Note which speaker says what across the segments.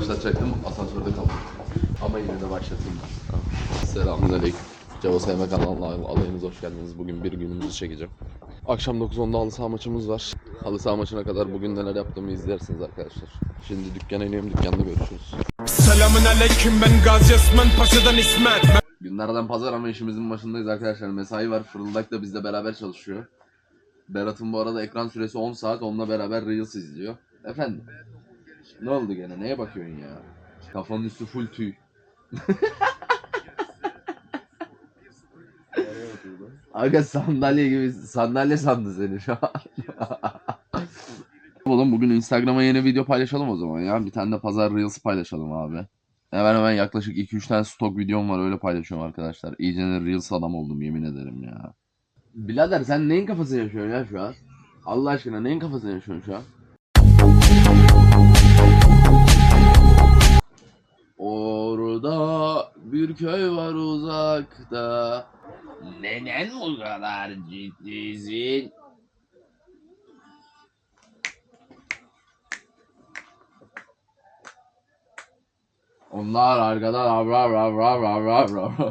Speaker 1: başlatacaktım, asansörde kaldım. Ama yine de başlatayım ben. Selamünaleyküm. Ceva Sevme kanalına alayınız hoş geldiniz. Bugün bir günümüzü çekeceğim. Akşam 9.10'da halı saha maçımız var. Halı saha maçına kadar bugün neler yaptığımı izlersiniz arkadaşlar. Şimdi dükkana iniyorum, dükkanda görüşürüz.
Speaker 2: Selamünaleyküm, ben Gazi Osman Paşa'dan İsmet.
Speaker 1: Günlerden pazar ama işimizin başındayız arkadaşlar. Mesai var. Fırıldak da bizle beraber çalışıyor. Berat'ın bu arada ekran süresi 10 saat. Onunla beraber Reels izliyor. Efendim? Ne oldu gene? Neye bakıyorsun ya? Kafanın üstü full tüy. Aga sandalye gibi, sandalye sandı seni şu an. Oğlum bugün Instagram'a yeni video paylaşalım o zaman ya. Bir tane de pazar Reels paylaşalım abi. Hemen yaklaşık 2-3 tane stok videom var, öyle paylaşıyorum arkadaşlar. İyice Reels adam oldum yemin ederim ya. Birader sen neyin kafasını yaşıyorsun ya şu an? Allah aşkına neyin kafasını yaşıyorsun şu an? Orada bir köy var uzakta. Neden bu kadar ciddisin? Onlar arkadan avrar avrar avrar avrar.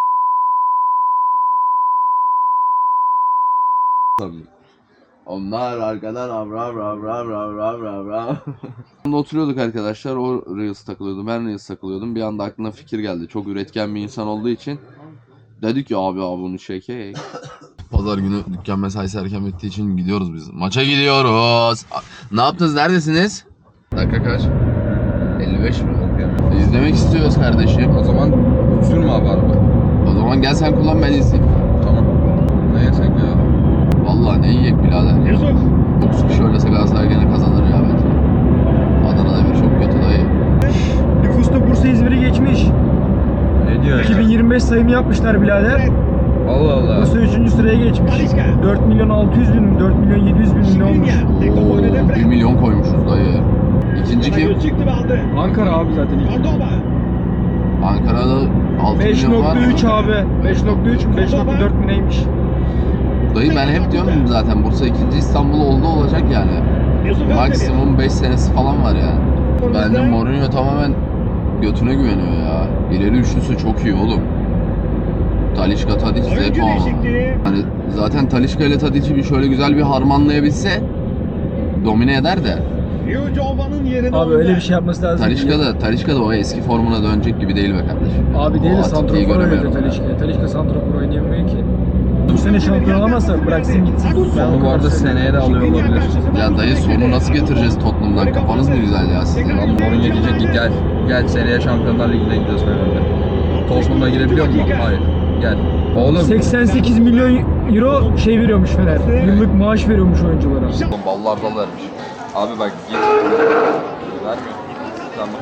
Speaker 1: Onlar arkadan avrar avrar avrar avrar. Oturuyorduk arkadaşlar, o Reels takılıyordu, ben Reels takılıyordum. Bir anda aklına fikir geldi. Çok üretken bir insan olduğu için dedik ya abi bunu çekek. Pazar günü dükkan mesaisi erken bittiği için gidiyoruz biz. Maça gidiyoruz. Ne yaptınız? Neredesiniz? Dakika kaç? 55 mi? İzlemek istiyoruz kardeşim.
Speaker 3: O zaman sürme abi araba.
Speaker 1: O zaman gel sen kullan, ben izleyeyim.
Speaker 3: Tamam. Ne yesek ya?
Speaker 1: Vallahi ne yiyek birader ya. 9 kişi oynasa Galatasaray gene kazanır ya bence. Adana'da bir çok kötü dayı.
Speaker 4: Nüfusta Bursa İzmir'i geçmiş.
Speaker 3: Ne diyor
Speaker 4: 2025 sayımı yapmışlar birader.
Speaker 3: Allah Allah.
Speaker 4: Bursa 3. sıraya geçmiş. 4 milyon 600 bin, 4 milyon 700 bin ne olmuş?
Speaker 1: Oo, 1 milyon koymuşuz dayı. İkinci kim?
Speaker 4: Ankara abi zaten ilk.
Speaker 1: Ankara'da 6 milyon var mı?
Speaker 4: 5.3 abi. 5.3 mü 5.4 mü neymiş?
Speaker 1: Dayı ben hep diyorum zaten Bursa ikinci, İstanbul oldu olacak yani. Maksimum 5 senesi falan var yani. Bence Mourinho tamamen götüne güveniyor ya. İleri üçlüsü çok iyi oğlum. Talisca, Tadic, Dzeko. Hani zaten Talisca ile Tadic'i bir şöyle güzel bir harmanlayabilse domine eder de.
Speaker 4: Abi öyle bir şey yapması lazım.
Speaker 1: Talisca da o eski formuna dönecek gibi değil be kardeşim.
Speaker 4: Abi değil
Speaker 1: O
Speaker 4: de
Speaker 1: Atiki'yi
Speaker 4: santrafor
Speaker 1: göremiyorum
Speaker 4: oynuyor
Speaker 1: ya.
Speaker 4: Talisca. Talisca santrafor oynayamıyor ki. Bu sene şampiyon olamazsa bıraksın gitsin.
Speaker 3: Onu bu arada seneye de alıyor olabilir.
Speaker 1: Ya dayı sonu nasıl getireceğiz Tottenham'dan? Kafanız mı güzel ya sizin?
Speaker 3: Lan Mourinho diyecek ki gel. Gel seneye Şampiyonlar Ligi'ne gidiyoruz Fener'de. Tottenham'a girebiliyor musun? Hayır. Gel. Oğlum.
Speaker 4: 88 milyon euro şey veriyormuş Fener. Yıllık maaş veriyormuş oyunculara.
Speaker 1: Ballar dal vermiş.
Speaker 3: Abi bak git. Vermiyor. Tamam.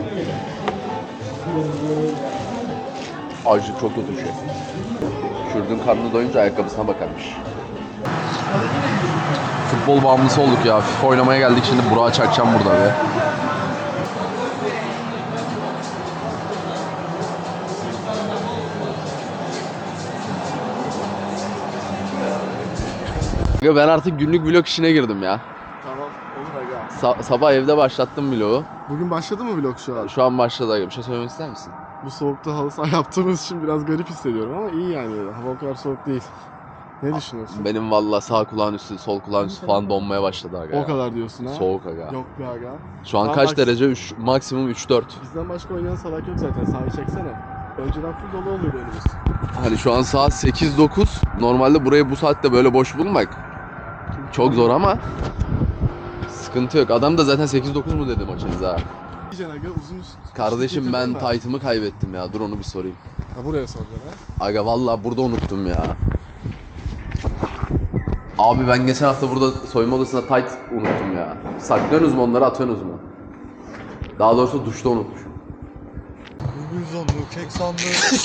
Speaker 1: Acı çok kötü bir şey. Kürdün karnı doyunca ayakkabısına bakarmış. Futbol bağımlısı olduk ya. FIFA oynamaya geldik, şimdi Burak'a çakacağım burada be. Ben artık günlük vlog işine girdim ya.
Speaker 5: Tamam, olur aga.
Speaker 1: Sabah evde başlattım vlogu.
Speaker 5: Bugün başladı mı vlog şu an?
Speaker 1: Şu an başladı aga. Bir şey söylemek ister misin?
Speaker 5: Bu soğukta halı saha yaptığımız için biraz garip hissediyorum ama iyi yani. Hava o kadar soğuk değil. Ne düşünüyorsun?
Speaker 1: Benim valla sağ kulağın üstü, sol kulağın üstü falan donmaya başladı aga.
Speaker 5: O kadar diyorsun ha?
Speaker 1: Soğuk aga.
Speaker 5: Yok be aga.
Speaker 1: Şu an
Speaker 5: Daha
Speaker 1: kaç derece? Maksimum 3-4.
Speaker 5: Bizden başka oynayan salak yok zaten. Sahayı çeksene. Önceden full dolu oluyordu önümüz.
Speaker 1: Hani şu an saat 8-9. Normalde burayı bu saatte böyle boş bulmak çok zor ama sıkıntı yok. Adam da zaten 8-9 mu dedi maçınıza ha.
Speaker 5: Diyeceksin aga uzun üst.
Speaker 1: Kardeşim ben
Speaker 5: getirdin mi?
Speaker 1: taytımı kaybettim ya. Dur onu bir sorayım.
Speaker 5: Ha buraya soracaksın ha.
Speaker 1: Aga vallahi burada unuttum ya. Abi ben geçen hafta burada soyunma odasında tayt unuttum ya. Saklıyorsunuz mu onları, atıyorsunuz mu? Daha doğrusu duşta unutmuşum.
Speaker 5: Kek sandık.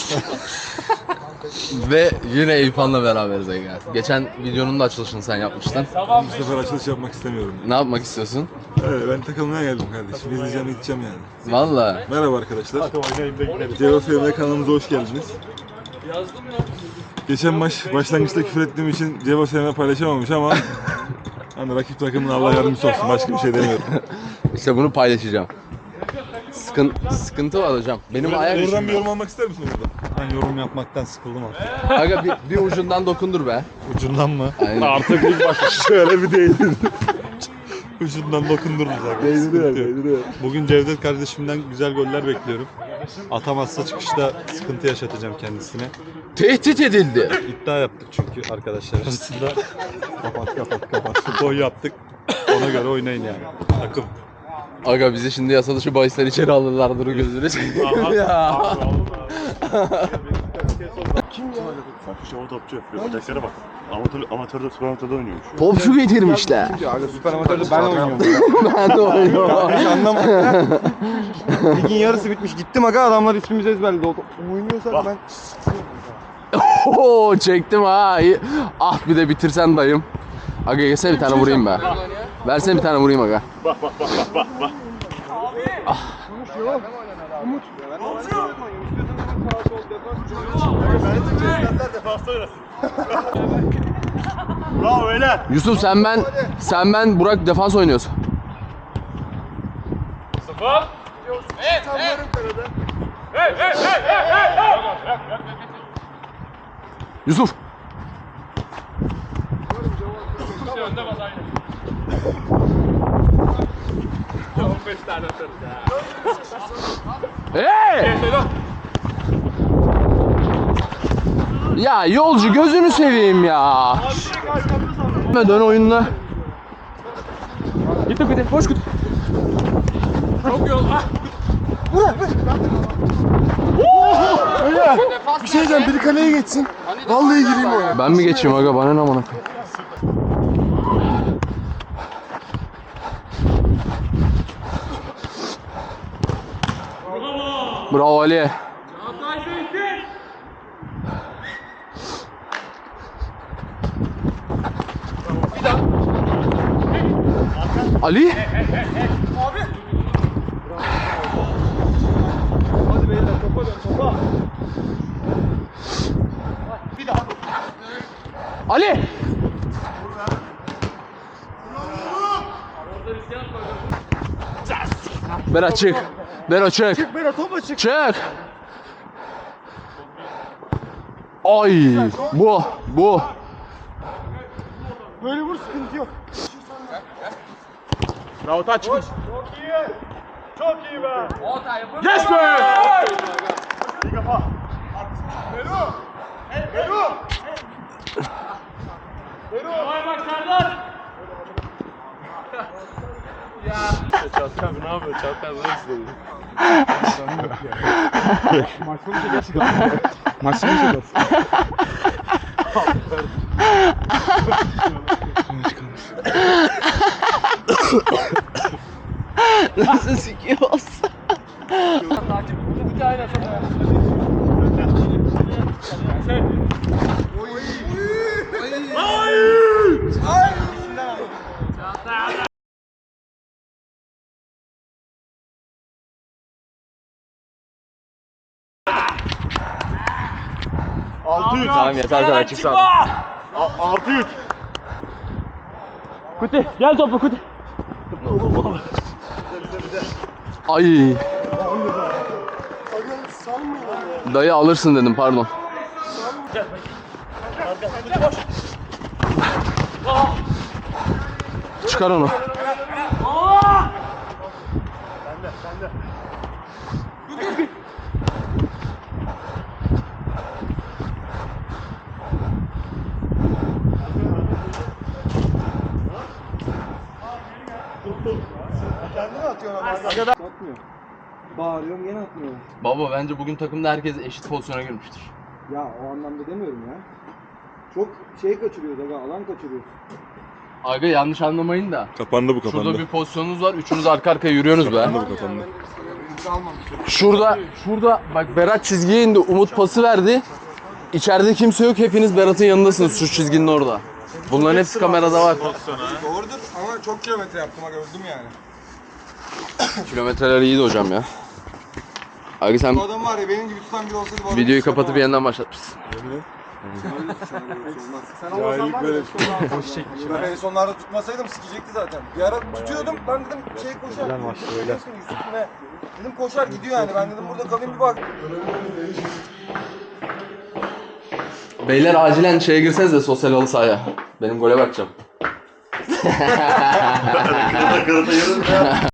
Speaker 1: Ve yine Eyüphan'la beraberiz Ege. Geçen videonun da açılışını sen yapmıştın.
Speaker 6: Bu sefer açılış yapmak istemiyorum.
Speaker 1: Ne yapmak istiyorsun?
Speaker 6: Evet, ben takılmaya geldim kardeşim. İzleyeceğim, gideceğim yani.
Speaker 1: Vallahi.
Speaker 6: Merhaba arkadaşlar. Ceva FM kanalımıza hoş geldiniz. Geçen maç başlangıçta küfür ettiğim için Ceva FM paylaşamamış ama hani rakip takımın Allah yardımcısı olsun. Başka bir şey demiyorum.
Speaker 1: İşte bunu paylaşacağım. Sıkıntı var hocam. Benim ayak
Speaker 6: Oradan
Speaker 1: ucumda.
Speaker 6: bir yorum almak ister misin orada? Ben yorum yapmaktan sıkıldım artık.
Speaker 1: Aga bir ucundan dokundur be.
Speaker 6: Ucundan mı?
Speaker 1: Aynen.
Speaker 6: Artık ilk başta şöyle bir değdin. Ucundan dokundururuz abi. Sıkıntı yok. Bugün Cevdet kardeşimden güzel goller bekliyorum. Atamazsa çıkışta sıkıntı yaşatacağım kendisine.
Speaker 1: Tehdit edildi.
Speaker 6: İddia yaptık çünkü arkadaşlar arasında. Kapat. Futbol yaptık. Ona göre oynayın yani. Takım.
Speaker 1: Aga bizi şimdi yasa dışı bahisler içeri alırlar duru gözüne seveyim ya.
Speaker 7: Fakir şova topçu yapıyor. Bacaklere bak. Amatörde, süper amatörde oynuyormuş.
Speaker 1: Topçu getirmişler.
Speaker 5: Aga süper amatörde ben oynuyorum.
Speaker 1: Ben de oynuyorum.
Speaker 5: Hiç anlamadım. Ligin yarısı bitmiş. Gittim aga adamlar ismimizi ezberledi. Oynuyorsak ben...
Speaker 1: Oo çektim ha. İyi. Ah bir de bitirsen dayım. Aga yesene bir tane vurayım be. Versene bir tane vurayım aga.
Speaker 7: Bravo beyler.
Speaker 1: Yusuf sen ben Burak defans oynuyoruz. Yusuf. Hey! Ya yolcu gözünü seveyim ya. Dön oyununa. Git git koş git.
Speaker 5: Bir şey diyeceğim. Biri kaleye geçsin. Vallahi gireyim oraya.
Speaker 1: Ben mi geçeyim aga bana ne amına koyayım. Bravo Ali. Ali? Ali! Berat çık. Berat çık. Çık Berat topa çık. Çık. Ay bu.
Speaker 5: Böyle vur sıkıntı yok.
Speaker 7: Bravo taç.
Speaker 5: Çok iyi be.
Speaker 1: Yes be!
Speaker 7: İyi kafa.
Speaker 5: Maç sonu çekersin.
Speaker 1: Nasıl sikiyorsun? Tamam yeter kadar çık sağdan.
Speaker 7: 6-3.
Speaker 1: Kuti gel topu Kuti. Ay. Dayı alırsın dedim pardon. Çıkar onu.
Speaker 8: Bağırıyorum gene atmıyor.
Speaker 1: Baba bence bugün takımda herkes eşit pozisyona girmiştir.
Speaker 8: Ya o anlamda demiyorum ya. Çok şey kaçırıyoruz aga, alan kaçırıyoruz.
Speaker 1: Aga yanlış anlamayın da.
Speaker 6: Kapandı bu kapandı.
Speaker 1: Şurada bir pozisyonunuz var. Üçünüz arka arkaya yürüyorsunuz be.
Speaker 6: Kapandı bu kapandı.
Speaker 1: Şurada bak Berat çizgiye indi. Umut pası verdi. İçeride kimse yok. Hepiniz Berat'ın yanındasınız şu çizginin orada. Bunların hepsi kamerada var.
Speaker 5: Doğrudur ama çok kilometre yaptım aga öldüm yani.
Speaker 1: Kilometreler iyiydi hocam ya. Abi sen
Speaker 5: Bu adam var ya benim gibi tutan biri olsaydı bu adam
Speaker 1: videoyu
Speaker 5: hiç
Speaker 1: kapatıp
Speaker 5: yapamaz.
Speaker 1: yeniden başlatmışsın.
Speaker 8: Sen olmasan var ya.
Speaker 4: Boş çekmiş.
Speaker 8: Ben en sonlarda tutmasaydım sikecekti zaten. Bir ara tutuyordum. Ben dedim şey koşar.
Speaker 6: Güzel maçtı, öyle.
Speaker 8: Yusuf ne? Dedim koşar gidiyor yani. Ben dedim burada kalayım bir bak.
Speaker 1: Beyler acilen şeye girseniz de sosyal halı sahaya. Benim gole bakacağım.
Speaker 7: Kırata yarın